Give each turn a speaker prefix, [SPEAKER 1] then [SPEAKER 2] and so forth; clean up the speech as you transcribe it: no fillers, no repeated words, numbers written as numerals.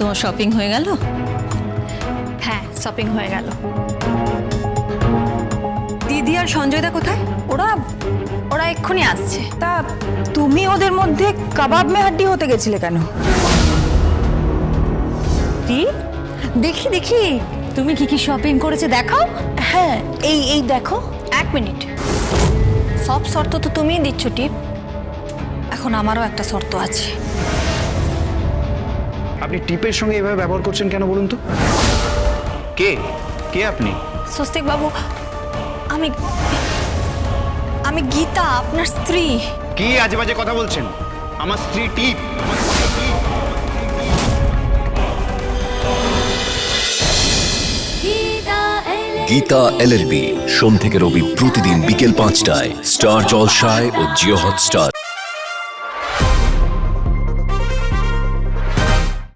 [SPEAKER 1] তোমার শপিং হয়ে গেল?
[SPEAKER 2] হ্যাঁ, শপিং হয়ে গেল।
[SPEAKER 3] দিদি আর সঞ্জয়দা কোথায়?
[SPEAKER 2] ওরা ওরা এক্ষুনি আসছে।
[SPEAKER 3] তা তুমি ওদের মধ্যে কাবাব মে হাড্ডি হতে গেছিলে কেন?
[SPEAKER 1] দেখি দেখি তুমি কি কি শপিং করেছে দেখাও।
[SPEAKER 3] হ্যাঁ, এই দেখো।
[SPEAKER 2] এক মিনিট, সব শর্ত তো তুমিই দিচ্ছ টিপ, এখন আমারও একটা শর্ত আছে।
[SPEAKER 4] আপনি টিপের সঙ্গে এভাবে ব্যবহার করছেন কেন বলুন তো? কে কে আপনি?
[SPEAKER 2] স্বস্তিক বাবু, আমি আমি গীতা, আপনার স্ত্রী।
[SPEAKER 4] কি আজে বাজে কথা বলছেন? আমার স্ত্রী টিপ?
[SPEAKER 5] গীতা LLB সোম থেকে রবি প্রতিদিন বিকেল 5টায় স্টার জলসায় ও জিও হটস্টার।